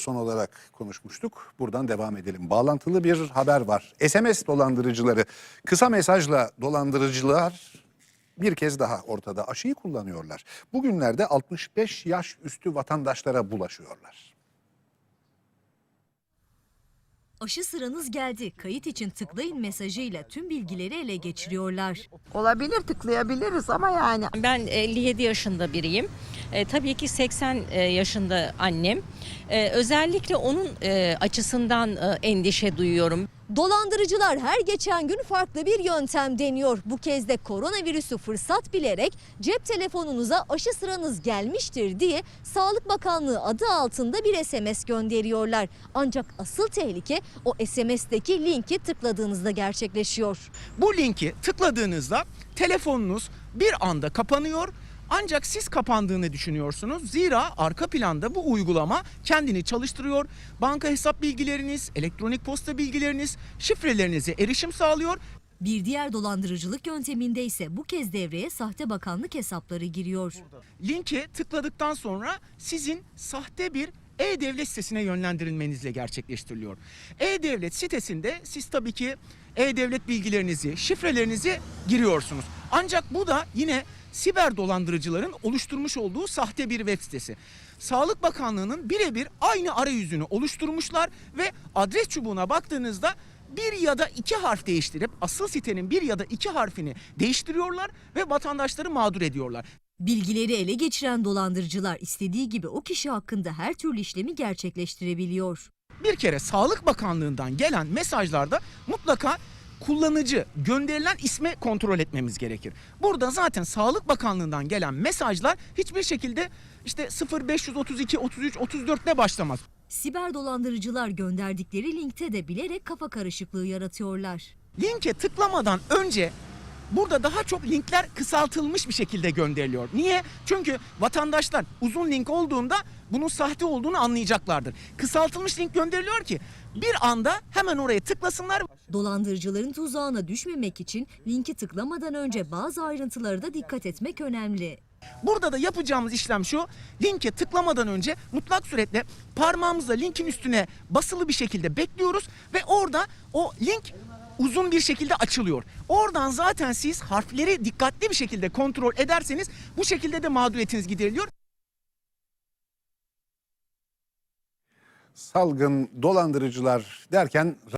son olarak konuşmuştuk. Buradan devam edelim. Bağlantılı bir haber var. SMS dolandırıcıları, kısa mesajla dolandırıcılar bir kez daha ortada. Aşıyı kullanıyorlar. Bugünlerde 65 yaş üstü vatandaşlara bulaşıyorlar. Aşı sıranız geldi. Kayıt için tıklayın mesajıyla tüm bilgileri ele geçiriyorlar. Olabilir, tıklayabiliriz ama yani. Ben 57 yaşında biriyim. Tabii ki 80 yaşında annem. Özellikle onun açısından endişe duyuyorum. Dolandırıcılar her geçen gün farklı bir yöntem deniyor. Bu kez de koronavirüsü fırsat bilerek cep telefonunuza aşı sıranız gelmiştir diye Sağlık Bakanlığı adı altında bir SMS gönderiyorlar. Ancak asıl tehlike o SMS'teki linki tıkladığınızda gerçekleşiyor. Bu linki tıkladığınızda telefonunuz bir anda kapanıyor. Ancak siz kapandığını düşünüyorsunuz. Zira arka planda bu uygulama kendini çalıştırıyor. Banka hesap bilgileriniz, elektronik posta bilgileriniz, şifrelerinize erişim sağlıyor. Bir diğer dolandırıcılık yönteminde ise bu kez devreye sahte bakanlık hesapları giriyor. Linke tıkladıktan sonra sizin sahte bir e-devlet sitesine yönlendirilmenizle gerçekleştiriliyor. E-devlet sitesinde siz tabii ki e-devlet bilgilerinizi, şifrelerinizi giriyorsunuz. Ancak bu da yine siber dolandırıcıların oluşturmuş olduğu sahte bir web sitesi. Sağlık Bakanlığı'nın birebir aynı arayüzünü oluşturmuşlar ve adres çubuğuna baktığınızda bir ya da iki harf değiştirip asıl sitenin bir ya da iki harfini değiştiriyorlar ve vatandaşları mağdur ediyorlar. Bilgileri ele geçiren dolandırıcılar istediği gibi o kişi hakkında her türlü işlemi gerçekleştirebiliyor. Bir kere Sağlık Bakanlığı'ndan gelen mesajlarda mutlaka kullanıcı gönderilen ismi kontrol etmemiz gerekir. Burada zaten Sağlık Bakanlığı'ndan gelen mesajlar hiçbir şekilde işte 0532 33 34 ile başlamaz. Siber dolandırıcılar gönderdikleri linkte de bilerek kafa karışıklığı yaratıyorlar. Linke tıklamadan önce burada daha çok linkler kısaltılmış bir şekilde gönderiliyor. Niye? Çünkü vatandaşlar uzun link olduğunda bunun sahte olduğunu anlayacaklardır. Kısaltılmış link gönderiliyor ki bir anda hemen oraya tıklasınlar. Dolandırıcıların tuzağına düşmemek için linki tıklamadan önce bazı ayrıntılara da dikkat etmek önemli. Burada da yapacağımız işlem şu: linke tıklamadan önce mutlak suretle parmağımızla linkin üstüne basılı bir şekilde bekliyoruz ve orada o link uzun bir şekilde açılıyor. Oradan zaten siz harfleri dikkatli bir şekilde kontrol ederseniz bu şekilde de mağduriyetiniz gideriliyor. Salgın, dolandırıcılar derken